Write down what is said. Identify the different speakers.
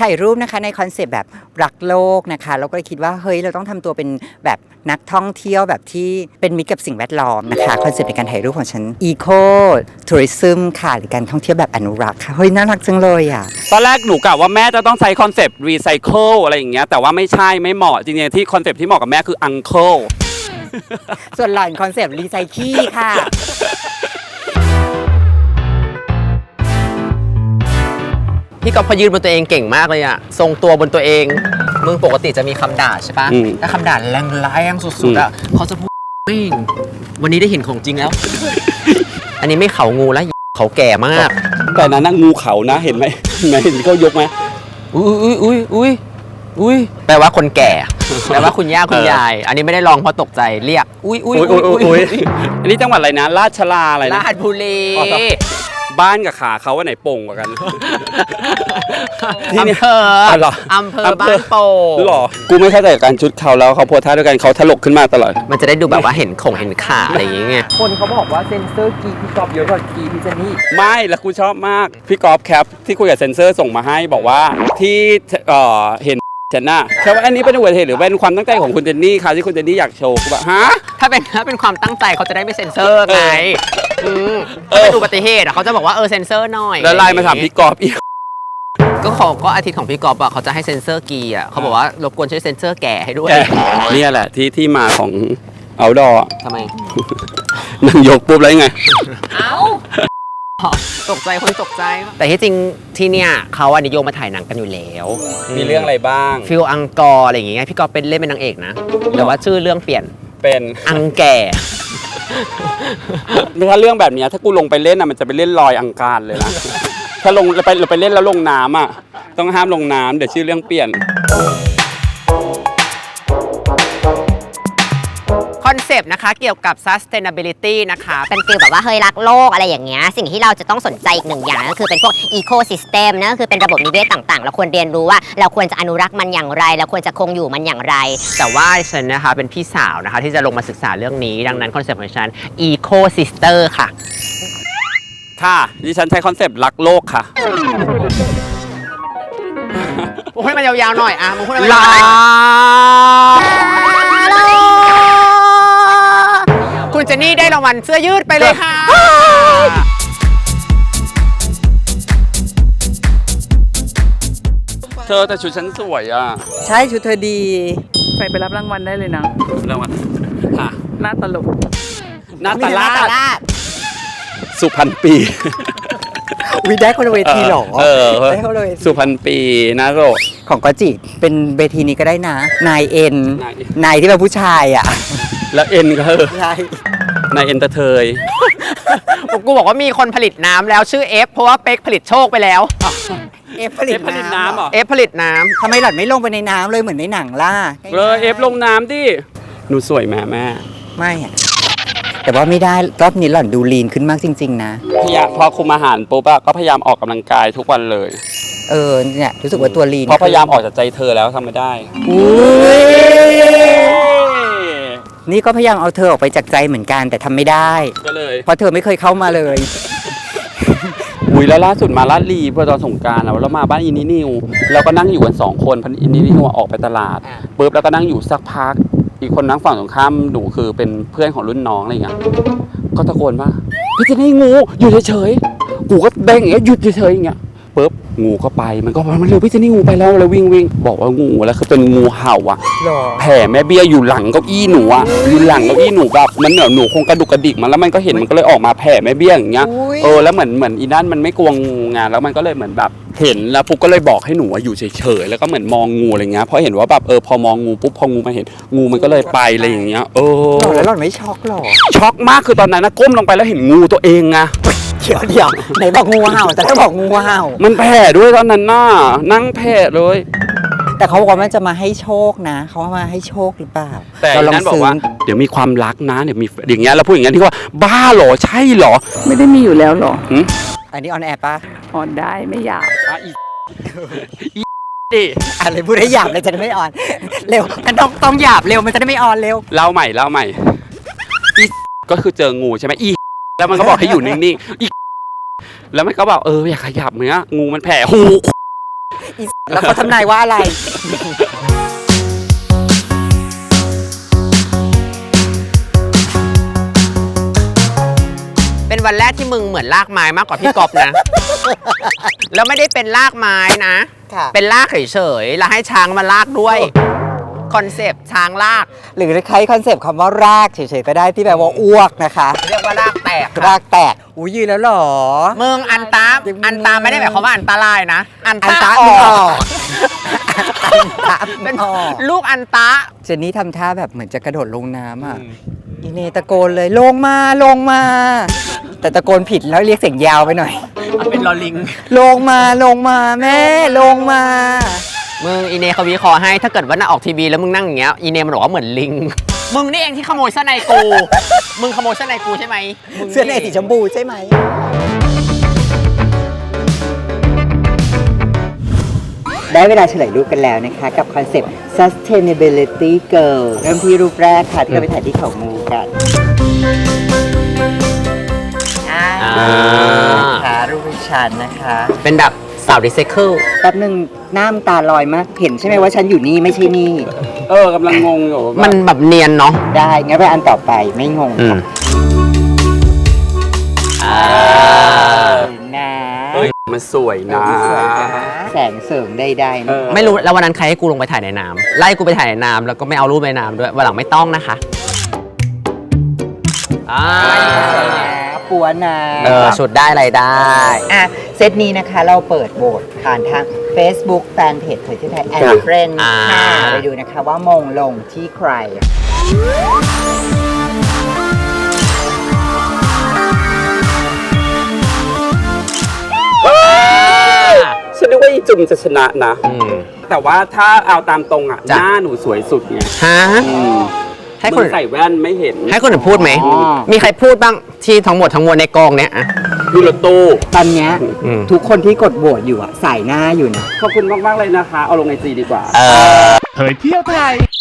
Speaker 1: ถ่ายรูปนะคะในคอนเซปต์แบบรักโลกนะคะเราก็เลยคิดว่าเฮ้ยเราต้องทำตัวเป็นแบบนักท่องเที่ยวแบบที่เป็นมิตรกับสิ่งแวดล้อมนะคะคอนเซปต์ในการถ่ายรูปของฉัน Eco Tourism ค่ะหรือการท่องเที่ยวแบบอนุรักษ์ค่ะเฮ้ยน่ารักจังเลยอ่ะ
Speaker 2: ตอนแรกหนูกะว่าแม่จะต้องใช้คอนเซปต์รีไซเคิลอะไรอย่างเงี้ยแต่ว่าไม่ใช่ไม่เหมาะจริงๆที่คอนเซปต์ที่เหมาะกับแม่คืออังเคิล
Speaker 1: ส่วนหล่อนคอนเซปต์รีไซเคิลค่ะ
Speaker 3: พี่ก๊อฟพยืนบนตัวเองเก่งมากเลยอะทรงตัวบนตัวเองมึงปกติจะมีคำด่าใช่ปะถ้าคำด่าแรงๆสุดๆอะเขาจะพูดไม่วันนี้ได้เห็นของจริงแล้ว อันนี้ไม่เขางูแล้วเขาแก่มาก
Speaker 2: แต่นั้นนะงูเขานะเห็นไหมเห็นเขายกไหม
Speaker 3: อุ้ยแปลว่าคนแก่แปลว่าคุณย่าคุณยายอันนี้ไม่ได้ลองเพราะตกใจเรียกอุ้ย
Speaker 2: อันนี้จังหวัดอะไรนะราชลาอะไรนะ
Speaker 3: ราชบุรี
Speaker 2: บ้านกับขาเขาว่าไหนโป่งกว่ากัน
Speaker 3: อำเภอบ้านโป่ง
Speaker 2: หรอกูไม่เข้าใจกับการชุดเขาแล้วเขาโพสท่าด้วยกันเขาถลกขึ้นมาตลอด
Speaker 3: มันจะได้ดูแบบว่าเห็นขาอะไรอย่างเงี้ย
Speaker 1: คนเขาบอกว่าเซนเซอร์กีพี่กอบเยอะกว่ากีพี่เจนนี่
Speaker 2: ไม่แล้วกูชอบมากพี่กอล์ฟแคปที่คุยกับเซนเซอร์ส่งมาให้บอกว่าที่เห็นฉันน่ะแค่ว่าอันนี้เป็นอุบัติเหตุหรือเป็นความตั้งใจของคุณเจนนี่ค่ะที่คุณเจนนี่อยากโชว์กูแบบฮะ
Speaker 3: ถ้าเป็นความตั้งใจเขาจะได้ไม่เซ็นเซอร์ไงถ้าเป็นอุบัติเหตุเขาจะบอกว่าเซ็นเซอร์หน่อย
Speaker 2: แล้วไลน์มาถามพี่กอล์ฟอีก
Speaker 3: ก็อาทิตย์ของพี่กอล์ฟเขาจะให้เซ็นเซอร์กีเขาบอกว่ารบกวนช่วยเซ็นเซอร์แก่ให้ด้วย
Speaker 2: นี่แหละที่มาของเอาดอ
Speaker 3: ทำไม
Speaker 2: นั่งยกปุ๊บแล้วยังไง
Speaker 3: ตกใจคนตกใจแต่ที่จริงที่เนี่ยเขานิยมมาถ่ายหนังกันอยู่แล้ว
Speaker 2: มีเรื่องอะไรบ้าง
Speaker 3: ฟิลอังกอร์อะไรอย่างเงี้ยพี่กอล์ฟเป็นเล่นเป็นนางเอกนะแต่ว่าชื่อเรื่องเปลี่ยน
Speaker 2: เป็น
Speaker 3: อังแก่
Speaker 2: ถ้าเรื่องแบบนี้ถ้ากูลงไปเล่นมันจะไปเล่นลอยอังคารเลยนะถ้าลงไปเล่นแล้วลงน้ำต้องห้ามลงน้ำเดี๋ยวชื่อเรื่องเปลี่ยน
Speaker 3: คอนเซปต์นะคะเกี่ยวกับ sustainability นะคะ
Speaker 4: เป็นฟีลแบบว่าเฮ้ยรักโลกอะไรอย่างเงี้ยสิ่งที่เราจะต้องสนใจอีกหนึ่งอย่างก็คือเป็นพวก ecosystem นะก็คือเป็นระบบนิเวศต่างๆเราควรเรียนรู้ว่าเราควรจะอนุรักษ์มันอย่างไรเราควรจะคงอยู่มันอย่างไร
Speaker 3: แต่ว่าฉันนะคะเป็นพี่สาวนะคะที่จะลงมาศึกษาเรื่องนี้ดังนั้นคอนเซปต์ของฉัน ecosister ค่ะ
Speaker 2: ค่ะดิฉันใช้คอนเซปต์รักโลกค่ะ
Speaker 3: มึงพูดมันยาวๆหน่อยมึงพูดมันคุณเจนนี่ได้รางวัลเสื้อยืดไปเลยค่ะ
Speaker 2: เธอแต่ชุดฉันสวย
Speaker 1: ใช่ชุดเธอดี
Speaker 5: ใส่ไปรับรางวัลได้เลยนะ
Speaker 2: รางวัลค่ะ
Speaker 5: หน้าตลก
Speaker 2: หน้าตลาดสุพรรณปี
Speaker 1: วิได้คนเวทีหรอ
Speaker 2: ได้คนเวทีสุพรรณปีนะโร
Speaker 1: ของกอจิเป็นเวทีนี้ก็ได้นะนายเอ็นนายที่เป็นผู้ชาย
Speaker 2: แล้วเอ็นก็ใช่นายเอ็นเตย
Speaker 3: กูบอกว่ามีคนผลิตน้ำแล้วชื่อเอฟเพราะว่าเป๊กผลิตโชคไปแล้ว
Speaker 1: เอฟผลิตน้ำ
Speaker 3: เหรอเอฟผลิตน้ำ
Speaker 1: ทำไมหล่อนไม่ลงไปในน้ำเลยเหมือนในหนังล่ะ
Speaker 2: เอฟลงน้ำดิหนูสวยแม่
Speaker 1: ไม่แต่ว่าไม่ได้รอบนี้หล่อนดูลีนขึ้นมากจริงๆนะ
Speaker 2: พอคุมอาหารปุ๊บก็พยายามออกกำลังกายทุกวันเลย
Speaker 1: เนี่ยรู้สึกว่าตัวลีน
Speaker 2: เพราะพยายามออกจากใจเธอแล้วทำไม่ได้
Speaker 1: นี่ก็พยายามเอาเธอออกไปจากใจเหมือนกันแต่ทำไม่ได้
Speaker 2: ก็เลย
Speaker 1: เพราะเธอไม่เคยเข้ามาเลย
Speaker 2: แล้วล่าสุดมาลาดลีเพื่อตอนสงกรานต์แล้วมาบ้านอินนิวเราก็นั่งอยู่กัน2 คนอินนิวออกไปตลาดปุ๊บแล้วก็นั่งอยู่สักพักอีกคนนั่งฝั่งตรงข้ามหนูคือเป็นเพื่อนของรุ่นน้องอะไรเงี้ยก็ตะโกนว่าพี่เจนนี่งูอยู่เฉยๆกูก็เด้งอย่างเงี้ยหยุดเฉยๆอย่างเงี้ยปุ๊บงูก็ไปมันก็มันเร็วพี่เจนนี่งูไปแล้วเลยวิ่งบอกว่างูแล้วคือเป็นงูเห่าแผ่แม่เบี้ยอยู่หลังเก้าอี้หนูอยู่หลังเก้าอี้หนูแบบมันเหนือหนูคงกระดุกกระดิกมันแล้วมันก็เห็นมันก็เลยออกมาแผ่แม่เบี้ยอย่างเงี้ยแล้วเหมือนอีนั่นมันไม่กลัวงูไงแล้วมันก็เลยเหมือนแบบเห็นแล้วปุ๊บก็เลยบอกให้หนูอยู่เฉยๆแล้วก็เหมือนมองงูอะไรเงี้ยเพราะเห็นว่าแบบพอมองงูปุ๊บพองูมาเห็นงูมันก็เลยไปอะไรอย่างเงี้ย
Speaker 1: แล้วหล่อนไม่ช็อกหรอ
Speaker 2: ช็อกมากคือตอนนั้นนะก้มลงไปแล้วเห็นงูตัวเองไง
Speaker 1: เดี๋ยวไหนบอกงูเห่าแต่ถ้าบอกงูเห่า
Speaker 2: มันแผ่ด้วยตอนนั้นน่ะนั่งแผ่เลย
Speaker 1: แต่เขาบอกว่ามันจะมาให้โชคนะเขามาให้โชคหรือเปล่า
Speaker 2: แต่นั้นบอกว่าเดี๋ยวมีความรักนะเดี๋ยวมีอย่างเงี้ยแล้วพูดอย่างเงี้ยที่ว่าบ้าหรอใช่หรอ
Speaker 5: ไม่ได้มีอยู่แล้วหรอ
Speaker 1: อันนี้ออนแอร์ป่ะ
Speaker 5: ออนได้ไม่หยาบ
Speaker 1: ดิอะไรพูดให้หยาบเลยจะได้ไม่ออนเร็วมันต้องหยาบเร็วมันจะได้ไม่ออนเร็ว
Speaker 2: เล่าใหม่ก็คือเจองูใช่ไหมแล้วมันก็บอกให้อยู่นิ่งๆแล้วมันก็บอกอย่าขยับเนื้องูมันแผ่หู
Speaker 1: แล้วเขาทำนายว่าอะไร
Speaker 3: เป็นวันแรกที่มึงเหมือนลากไม้มากกว่าพี่กอบนะ แล้วไม่ได้เป็นลากไม้นะ
Speaker 1: ค่ะ
Speaker 3: เป็นลากเฉยๆแล้วให้ช้างมาลากด้วยคอนเซปต์ช้างลาก
Speaker 1: หรือใช้คอนเซปต์คำว่ารากเฉยๆก็ได้ที่แปลว่าอ้วกนะคะ
Speaker 3: เรียกว่าลากแตก
Speaker 1: รากแตกอุ้ยยืนแล้วเหรอ
Speaker 3: มึงอันตาไม่ได้หมายความว่าอันตรายนะ อัน
Speaker 1: อัน
Speaker 3: ตา
Speaker 1: ตา
Speaker 3: อ
Speaker 1: ไม่
Speaker 3: อ
Speaker 1: ออก กอันตา
Speaker 3: เป็
Speaker 1: ไม่
Speaker 3: น
Speaker 1: ออก
Speaker 3: ลูกอันตา
Speaker 1: เจนนี่ทำท่าแบบเหมือนจะกระโดดลงน้ำอ่ะอีเนตะโกนเลยลงมาลงมา แต่ตะโกนผิดแล้วเรียกเสียงยาวไปหน่อย
Speaker 3: มันเป็นลอลิง
Speaker 1: ลงมาลงมาแม่ลงมา
Speaker 3: มึงอีเนเขาวิเคราะห์ให้ถ้าเกิดว่าน่าออกทีวีแล้วมึงนั่งอย่างเงี้ยอีเนมันบอกว่าเหมือนลิง มึงนี่เองที่ขโมยเสื้อในกู มึงขโมยเสื้อในกูใช่ไหมมึง
Speaker 1: เสื้อในสีชมพูใช่ไหม ได้เวลาเฉลยรูปกันแล้วนะคะ กับคอนเซปต์ sustainability girl เริ่มที่รูปแรกค่ะ ที่เราไปถ่ายที่เขางูกันค่ะรูปดิฉันนะคะ
Speaker 3: เป็นแบบสาวรีไซเคิล
Speaker 1: แป๊บหนึ่งหน้ามันตาลอยมาก เห็นใช่ไหมว่าฉันอยู่นี่ไม่ใช่นี่
Speaker 2: กำลังงงอยู่
Speaker 3: มันแบบเนียนเนาะ
Speaker 1: ได้งั้นไปอันต่อไปไม่งงค่ะนะ
Speaker 2: เฮ้ยมันสวยนะ
Speaker 1: แสงเสริมใดๆนะ
Speaker 3: ไม่รู้แล้ววันนั้นใครให้กูลงไปถ่ายในน้ำไล่กูไปถ่ายในน้ำแล้วก็ไม่เอารูปในน้ำด้วยวันหลังไม่ต้องนะคะ
Speaker 1: ปัวนะ
Speaker 3: ชุดได้อะไรได้
Speaker 1: อ่ะเซตนี้นะคะเราเปิดโหวตผ่านทาง Facebook Fanpage เผยที่ไทยแอนด์เฟรนด์ค่ะไปดูนะคะว่ามงลงที่ใคร
Speaker 2: ฉันนึกว่าอีจุ่มจะชนะนะ
Speaker 3: อืม
Speaker 2: แต่ว่าถ้าเอาตามตรงอ่ะ ห
Speaker 3: จ้ะ
Speaker 2: น้าหนูสวยสุดไง
Speaker 3: ฮะ
Speaker 2: อืม
Speaker 3: ให้ค
Speaker 2: มึ
Speaker 3: น
Speaker 2: งใส่แว่นไม่เห็น
Speaker 3: ให้คนอื่นพูดไหม
Speaker 1: อ๋อ
Speaker 3: มีใครพูดบ้างที่ทั้งหมดทั้งมวลในกองเนี้ยอะ
Speaker 2: ดูรถตู้
Speaker 1: ตอนเนี้ย
Speaker 3: อืม
Speaker 1: ทุกคนที่กดโหวตอยู่อะใส่หน้าอยู่นะ
Speaker 2: ขอบคุณมาก ๆ เลยนะคะ เอาลงในจีดีกว่า
Speaker 3: เออ
Speaker 6: เผยเที่ยวไทย